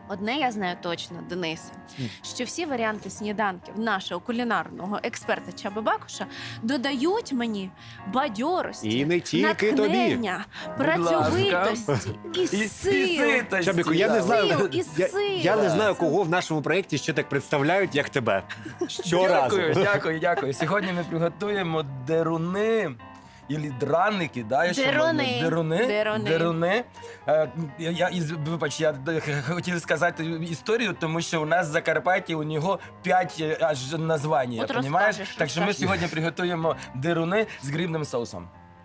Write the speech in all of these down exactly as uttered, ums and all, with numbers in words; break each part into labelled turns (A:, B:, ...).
A: Одне я знаю точно, Денисе, що всі варіанти сніданків нашого кулінарного експерта Чаби Бакуша додають мені бадьорості,
B: І не тільки тобі.
A: натхнення, працьовитості і сил.
B: Чабіку, я не знаю,
A: Сил і
B: я,
A: сил.
B: я не знаю, кого в нашому проєкті ще так представляють, як тебе. Щоразу.
C: Дякую, дякую, дякую. Сьогодні ми приготуємо деруни. Ілі драники, да, я ще
A: Деруни.
C: можу- Деруни.
A: Деруни.
C: Деруни. Е, я, я, із- вибач, я д- хотів сказати історію, тому що у нас в Закарпатті у нього п'ять е, аж названь,
A: От
C: розумієш?
A: розкажеш,
C: Так що ми
A: розкажеш.
C: сьогодні приготуємо деруни з грибним соусом.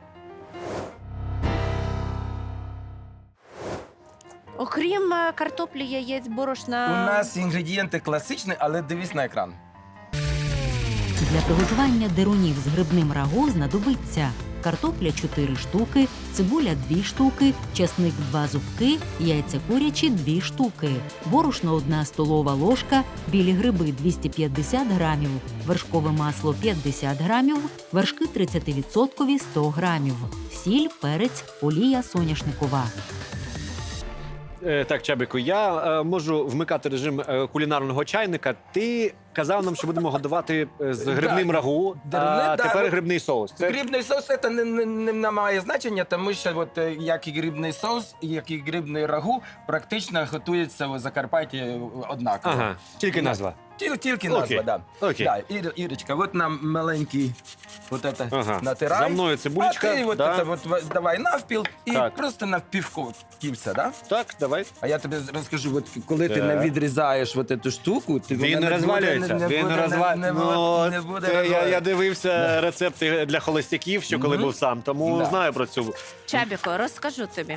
A: Окрім е, картоплі, яєць, борошна.
C: У нас інгредієнти класичні, але дивись на екран.
D: Для приготування дерунів з грибним рагу знадобиться картопля чотири штуки, цибуля дві штуки, часник два зубки, яйця курячі дві штуки, борошно одна столова ложка, білі гриби двісті п'ятдесят грамів, вершкове масло п'ятдесят грамів, вершки тридцять відсотків сто грамів, сіль, перець, олія соняшникова.
B: Е, Так, Чабіку, я е, можу вмикати режим е, кулінарного чайника. Ти казав нам, що будемо годувати е, з грибним
C: Да.
B: рагу,
C: Деруни,
B: а
C: да,
B: тепер
C: от
B: грибний соус. Це
C: Грибний соус це не, не, не, не має значення, тому що от, е, як і грибний соус, і як і грибний рагу практично готується в Закарпатті однаково.
B: Ага, тільки назва.
C: Тіл, тільки
B: Окей.
C: назва, да.
B: Окей.
C: Да, Ір, Ірочка, от нам маленький вот это
B: Ага.
C: натирай.
B: За мною цибулечка,
C: А ти от
B: да.
C: это вот в- давай навпіл і
B: Так.
C: просто навпівко кільця, да?
B: Так, давай.
C: А я тобі розкажу, от коли ти
B: Так.
C: не відрізаєш от цю штуку, ти
B: Він
C: вона
B: не
C: буде-
B: розвалюється.
C: не
B: Він
C: буде-
B: не розвалюється.
C: не буде-
B: Ну,
C: не буде
B: це я, я
C: розвалюватися.
B: дивився рецепти для холостяків, що коли
C: Мгм.
B: був сам, тому
C: Да.
B: знаю про цю.
A: Чабіко, розкажу тобі.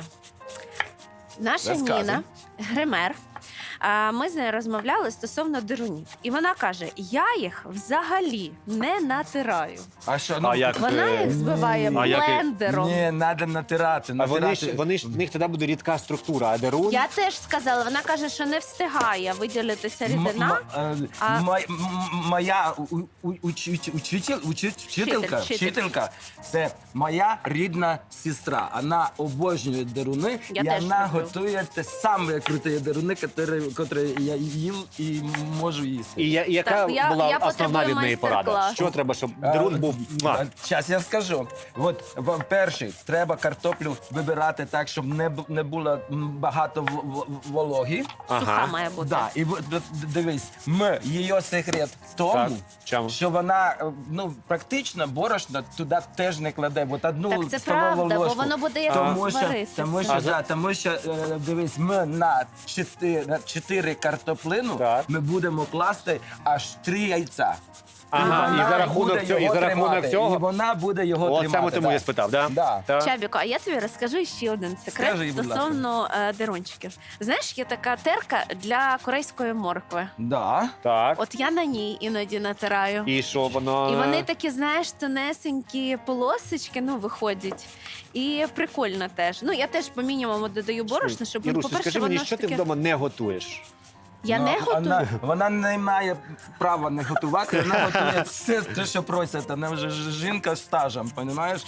A: Наша
C: Розказуй.
A: Ніна, гример, а, ми з нею розмовляли стосовно дерунів. І вона каже: я їх взагалі не натираю.
C: А що, ну,
B: А як?
A: Вона
B: Е,
A: їх збиває
B: а як і-
A: блендером.
C: Ні, треба натирати.
B: А вони
C: натирати.
B: ж вони ж в них тоді буде рідка структура, а дерун.
A: Я теж сказала, вона каже, що не встигає виділитися
C: М-
A: рідина.
C: м- е,
A: А-
C: ма- м- моя у- у- у- учитель- учитель- учи- вчителька,
A: вчитель.
C: вчителька, це моя рідна сестра. Вона обожнює деруни,
A: Я
C: і
A: теж
C: вона
A: люблю.
C: готує те саме круті деруни, які я їв і можу їсти.
B: І я- і яка
A: Так, я-
B: була
A: я
B: основна
A: потребую
B: від неї порада?
A: майстер-клас.
B: Що треба, щоб дерун був? Муа.
C: Зараз я скажу. От в- перший, треба картоплю вибирати так, щоб не, бу- не було м, багато в- в- вологі.
A: Суха має бути.
C: Да, і от- от дивись, ми, її секрет в тому,
B: Так, чому?
C: що вона е, ну, практично борошно туди теж не кладе. От одну
A: Так це
C: столову
A: правда, бо
C: ложку.
A: воно буде як
C: Тому що,
A: варитися.
C: тому що,
B: А за-
C: да, тому що е, дивись, ми на чотири, на чотири картоплину
B: Так.
C: ми будемо класти аж три яйця.
B: Ага,
C: вона
B: і за рахунок
C: буде
B: цього, і
C: його
B: за рахунок
C: тримати,
B: цього?
C: І вона буде його
B: От
C: тримати.
B: саме тому
C: да.
B: я спитав, да?
C: Да.
B: Так.
A: Чабіко, а я тобі розкажу ще один секрет
C: Скажи, будь ласка.
A: стосовно е, дерончиків. Знаєш, є така терка для корейської моркви.
C: Да.
B: Так.
A: От я на ній іноді натираю.
B: І що воно?
A: І вони такі, знаєш, тонесенькі полосочки, ну, виходять. І прикольно теж. Ну, я теж по мінімуму додаю борошна, щоб, ну,
B: Ірусь,
A: по-перше,
B: скажи
A: воно
B: мені,
A: ж
B: що ти
A: таке...
B: вдома не готуєш?
A: Я
C: Ну,
A: не готую.
C: Вона, вона не має права не готувати, вона готує все, те, що просять. Вона вже ж- жінка з стажем, розумієш?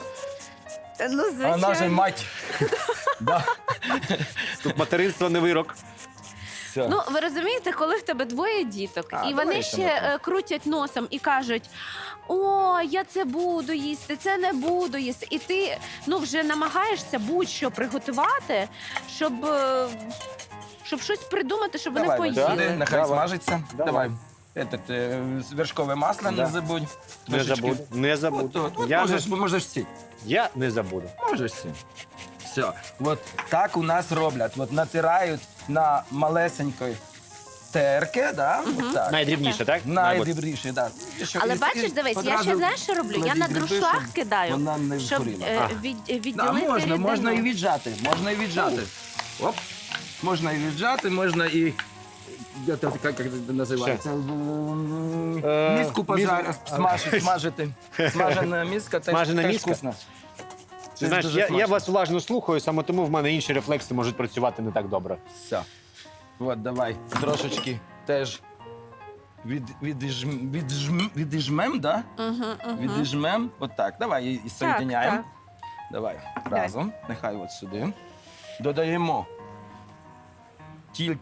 A: Ну,
C: А вона ж
A: звичайно.
C: мать. Да.
B: Тут материнство не вирок.
C: Все.
A: Ну, ви розумієте, коли в тебе двоє діток,
C: А,
A: і
C: давай
A: вони
C: ще
A: ще
C: ми
A: е, крутять носом і кажуть: о, я це буду їсти, це не буду їсти. І ти ну, вже намагаєшся будь-що приготувати, щоб, е, щоб щось придумати, щоб
C: Давай,
A: вони
C: Вася,
A: поїли.
C: сюди, нехай
B: Давай.
C: смажиться.
B: Давай.
C: Давай. Этот, е, вершкове масло
B: Да.
C: не забудь.
B: Не
C: Трошечки.
B: забуду. Не
C: От,
B: забуду.
C: от, от
B: Я,
C: можеш,
B: не,
C: можеш всі.
B: я не забуду.
C: Можеш всі. Все. От так у нас роблять. От натирають на малесенької терки, да? От так.
B: Найдрібніше, так? Мабуть.
C: Найдобріше, так.
A: Але бачиш, дивись, я ще знаєш, що роблю? Я на друшлах кидаю,
C: вона не
A: щоб
C: згоріла.
A: е,
B: А.
A: від,
C: Да,
A: відділити
C: можна,
A: рідину.
C: можна і віджати, можна і віджати. Оп. Можна і віджати, можна і... Як це як це називається? М,
B: Е,
C: Міску пожарити, смажити, смажити. Смажена міска теж,
B: Смажена
C: теж
B: міска?
C: вкусно.
B: Ти знаєш,
C: дуже
B: я, я
C: смачно.
B: вас уважно слухаю, саме тому в мене інші рефлекси можуть працювати не так добре.
C: Все. От, давай, трошечки теж від, відіжм, відіжм, відіжмем, да?
A: Угу, угу.
C: Відіжмем. От так, давай і, і соєдиняємо.
A: так.
C: Давай,
A: Давай.
C: разом. Нехай от сюди. Додаємо тільки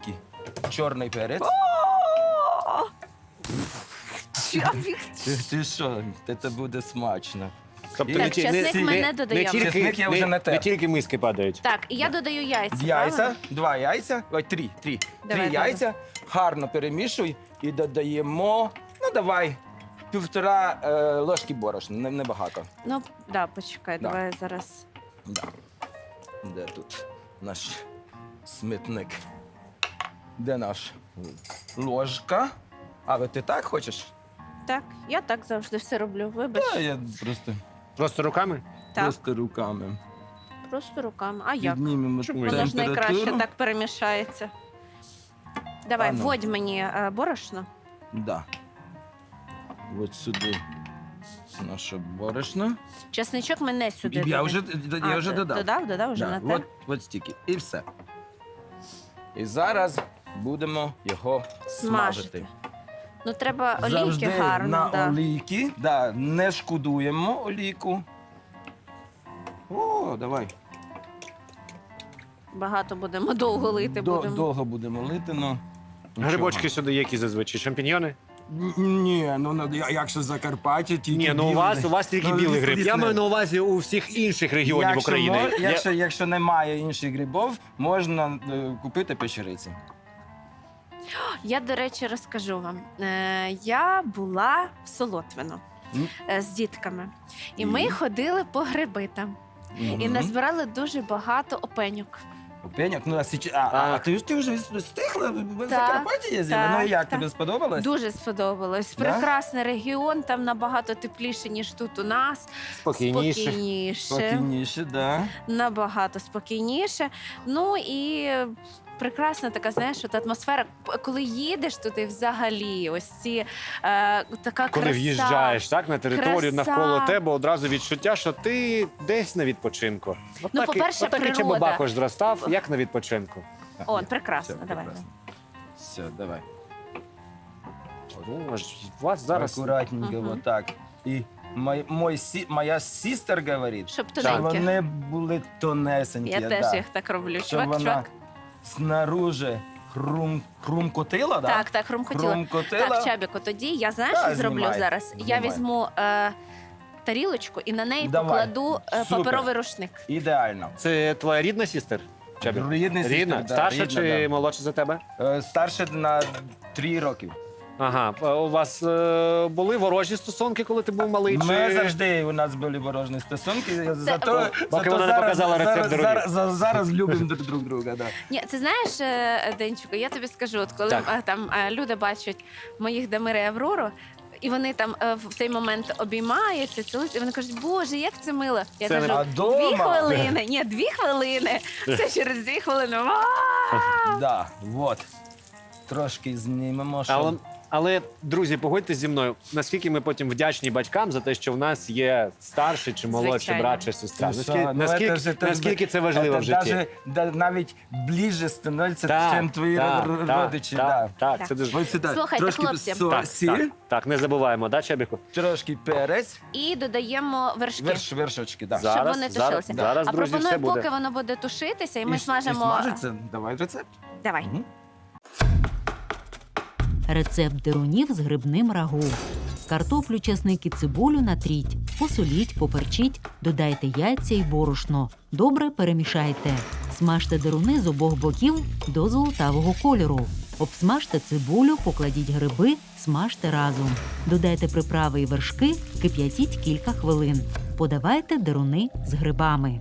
C: чорний перець.
A: О! Чабік.
C: Ти, ти що? Це буде смачно.
B: Тобто
C: Так,
B: не, ті-
A: часник
B: не,
A: ми
B: не,
A: не додаємо.
B: тільки,
C: Часник я вже
B: не,
C: натер.
B: не тільки миски падають.
A: Так, і я додаю яйця.
C: Яйця,
A: правильно?
C: два яйця, ой, три, три.
A: Давай,
C: три яйця, гарно перемішуй і додаємо, ну давай, півтора е, ложки борошна, не- небагато.
A: Ну, да, почекай,
C: Да.
A: давай зараз.
C: Да. Де тут наш смітник? Де наш ложка? А, ви ти так хочеш?
A: Так, я так завжди все роблю. Вибач.
C: Та я просто,
B: Просто руками?
A: Так,
C: просто руками.
A: просто руками. А як?
C: Піднімемо
B: Чому?
A: Воно ж найкраще
C: температуру.
A: так перемішається. Давай,
C: А ну.
A: вводь мені е, борошно.
C: Да. От сюди наше борошно.
A: Чесничок ми не сюди.
C: Я
A: додаємо.
C: вже,
A: А,
C: я вже
A: ти
C: додав.
A: Додав, додав вже
C: Да,
A: на те.
C: от, от стільки. І все. І зараз будемо його смажити.
A: Смажити. Ну, треба олійки
C: Завжди
A: гарно.
C: на
A: да.
C: олійки. Да, не шкодуємо олійку. О, давай.
A: Багато будемо довго лити.
C: До-
A: будемо.
C: Довго будемо лити, ну.
B: Грибочки сюди які зазвичай? Шампіньйони?
C: Н- Ні, ну ну, я- якщо Закарпаття, тільки
B: Ні, ну у
C: білий.
B: вас, у вас тільки
C: Ну,
B: білий
C: ліс-
B: гриб. Я
C: лісне.
B: маю на увазі у всіх інших регіонів
C: Якщо
B: України.
C: мож-
B: Я-
C: якщо, якщо немає інших грибів, можна е, купити печериці.
A: Я, до речі, розкажу вам. Е, я була в Солотвино
C: М.
A: е, з дітками. І
C: І?
A: ми ходили по гриби там. І
C: Мгм.
A: назбирали дуже багато опеньок.
C: Пеньок, ну а, січ... а, а,
B: А.
C: ти, ж- ти вже встигла? Ви в
A: Так,
C: Закарпатті їздили?
A: так,
C: Ну і як,
A: так.
C: тобі сподобалось?
A: Дуже сподобалось.
C: Да?
A: Прекрасний регіон, там набагато тепліше, ніж тут у нас.
B: Спокійніше.
A: Спокійніше.
C: Спокійніше, да.
A: Набагато спокійніше. Ну і прекрасна така, знаєш, от атмосфера. П- Коли їдеш туди взагалі, ось ці е, така
B: Коли
A: краса.
B: в'їжджаєш так, на територію
A: краса.
B: навколо тебе, одразу відчуття, що ти десь на відпочинку. От
A: Ну,
B: так і-
A: по-перше,
B: от так і
A: природа.
B: Чебабакош зростав, як на відпочинку.
A: О, прекрасно,
C: Все,
A: давай.
C: прекрасно. Все, давай.
B: Ну, аж у вас зараз
C: Акуратненько,
A: Мгм.
C: вот так. І мой, мой, сі- моя сістер говорить,
A: Щоб
C: що
A: тоненьке.
C: вони були тонесенькі.
A: Я теж
C: да.
A: їх так роблю.
C: Щоб
A: Чувак,
C: вона
A: чувак.
C: снаружи хрум, хрумкотила, да?
A: Так, так, хрумкотіла.
C: Хрумкотила.
A: Так, Чабіко, тоді я знаєш,
C: Та,
A: що зроблю
C: знімай,
A: зараз? Я
C: знімай.
A: візьму е, тарілочку і на неї
C: Давай.
A: покладу е,
C: Супер.
A: паперовий рушник.
C: Ідеально.
B: це твоя рідна сістер? Чабі?
C: Рідний сістер,
B: Рідна?
C: да,
B: Старша
C: рідна,
B: чи
C: да.
B: молодша за тебе?
C: Е, Старше на три роки.
B: Ага. А у вас е, були ворожі стосунки, коли ти був малий?
C: Ми
B: чи...
C: завжди у нас були ворожні стосунки. Зато,
B: Поки
C: зато
B: вона не
C: зараз,
B: показала рецепт
C: зараз,
B: дорогих.
C: зараз, зараз, зараз любимо друг друг друга. Да.
A: Ні, це знаєш, е, Денчику, я тобі скажу, от коли
B: Так.
A: е, там е, люди бачать моїх Дамира і Аврору, і вони там е, в цей момент обіймаються, цілуються, і вони кажуть, Боже, як це мило. Я
B: Це не-
A: кажу,
C: А
A: дві
C: дома?
A: хвилини. Ні, дві хвилини. Це через дві хвилини. Ва!
C: Да, вот. Трошки знімемо, щоб...
B: Але, але, друзі, погодьтесь зі мною, наскільки ми потім вдячні батькам за те, що в нас є старший чи молодший
A: Звичайно.
B: брат чи сестра.
C: Ну,
B: Наскільки,
C: що, ну,
B: наскільки,
C: це ж- це ж-
B: наскільки це важливо
C: це
B: в житті?
C: даже- да, навіть ближче становиться,
B: Так,
C: ніж твої
B: так,
C: р-
B: так,
C: родичі.
B: Так,
C: да.
B: так,
A: Так.
B: це дуже...
C: Ось сюди.
A: Слухайте,
C: трошки
A: хлопці.
C: со-
B: Так,
C: сіль,
B: так, так, не забуваємо, да, Чебіку?
C: трошки перець,
A: І додаємо вершки.
C: верш, вершочки, да.
B: За- Зараз,
A: вони
B: зараз,
A: тушилися.
B: зараз,
A: а
B: друзі,
A: пропоную,
B: все буде.
A: поки воно буде тушитися, і ми
C: І-
A: смажемо.
C: І смажиться. Давай рецепт.
A: Давай.
C: Мгм.
D: Рецепт дирунів з грибним рагу. Картоплю, часник і цибулю натріть, посоліть, поперчіть, додайте яйця і борошно. Добре перемішайте. Смажте дируни з обох боків до золотавого кольору. Обсмажте цибулю, покладіть гриби, смажте разом. Додайте приправи і вершки, кип'ятіть кілька хвилин. Подавайте дируни з грибами.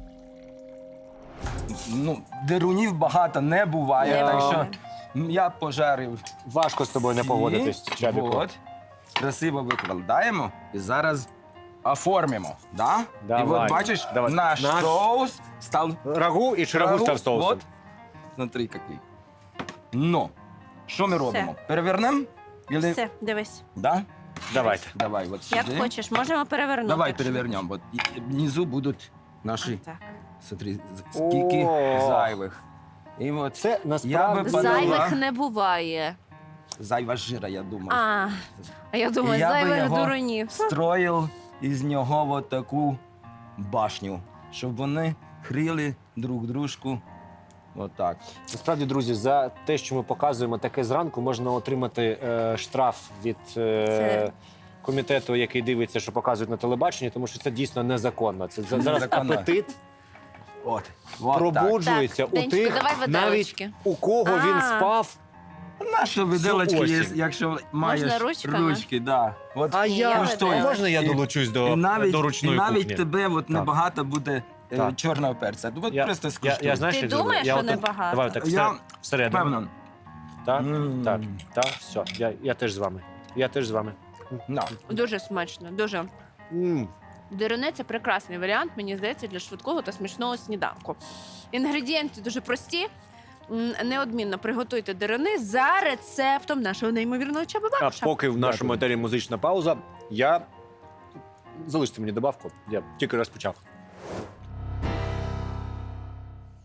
C: Ну, дирунів багато не буває,
A: Не
C: так
A: буває.
C: що я пожарив.
B: Важко з тобою не
C: ці,
B: погодитись, Чабіку.
C: От, красиво викладаємо і зараз оформимо. Да?
B: Давай.
C: І от бачиш,
B: Давай.
C: наш,
B: Наш-
C: соус став
B: Рагу і чи рагу став соусом?
C: Вот. Смотри, який. Ну, що ми робимо? Перевернемо? Или...
A: Все, дивись.
C: Да?
B: Давайте.
C: Давай, от сюди.
A: Як хочеш, можемо перевернути.
C: Давай
A: якщо-
C: перевернемо. От і- внизу будуть наші,
A: Так.
C: смотри, з- скільки
B: О.
C: зайвих. І от
B: Це
C: Я
B: насправді...
C: би подала.
A: Зайвих не буває.
C: зайва жира, я думаю.
A: А, а я думаю,
C: Я би
A: зайвих
C: його
A: дурунів.
C: Строїв із нього от таку башню, щоб вони хрили друг дружку Отак.
B: Насправді, друзі, за те, що ми показуємо таке зранку, можна отримати е, штраф від е,
A: Це-
B: комітету, який дивиться, що показують на телебаченні, тому що це дійсно незаконно. Це за- зараз
C: Незаконно.
B: апетит
C: От. От
B: пробуджується
A: Так,
B: у
A: Денчику,
B: тих,
A: давай виделочки.
B: навіть у кого він
A: А.
B: спав.
C: так. Наша виделочка є,
B: осінь.
C: якщо маєш
A: ручками?
C: ручки. Да. От.
B: А
A: Ні,
B: я,
A: я
B: можна
A: виделочки.
B: я
C: І-
B: долучусь
C: І
B: до,
C: навіть,
B: до
C: і
B: ручної
C: навіть
B: кухні?
C: тебе от небагато буде е,
B: Так.
C: чорного перця. От
B: Я-
C: просто
B: Я,
C: скуштуй.
B: я, знаєш,
A: Ти
B: як зроблю?
A: думаєш,
B: я
A: що
B: отак-
A: небагато?
B: Давай так,
C: Я
B: всер- всередину.
C: Певно.
B: Так,
C: М.
B: так, так, все. Я, я теж з вами. Я теж з вами.
C: На.
A: Дуже смачно, дуже.
B: М.
A: Деруни – це прекрасний варіант, мені здається, для швидкого та смачного сніданку. Інгредієнти дуже прості. М, Неодмінно приготуйте деруни за рецептом нашого неймовірного Чаби
B: А
A: Бакуша.
B: поки в нашому
C: Дякую.
B: етері музична пауза, я залиште мені добавку. Я тільки розпочав.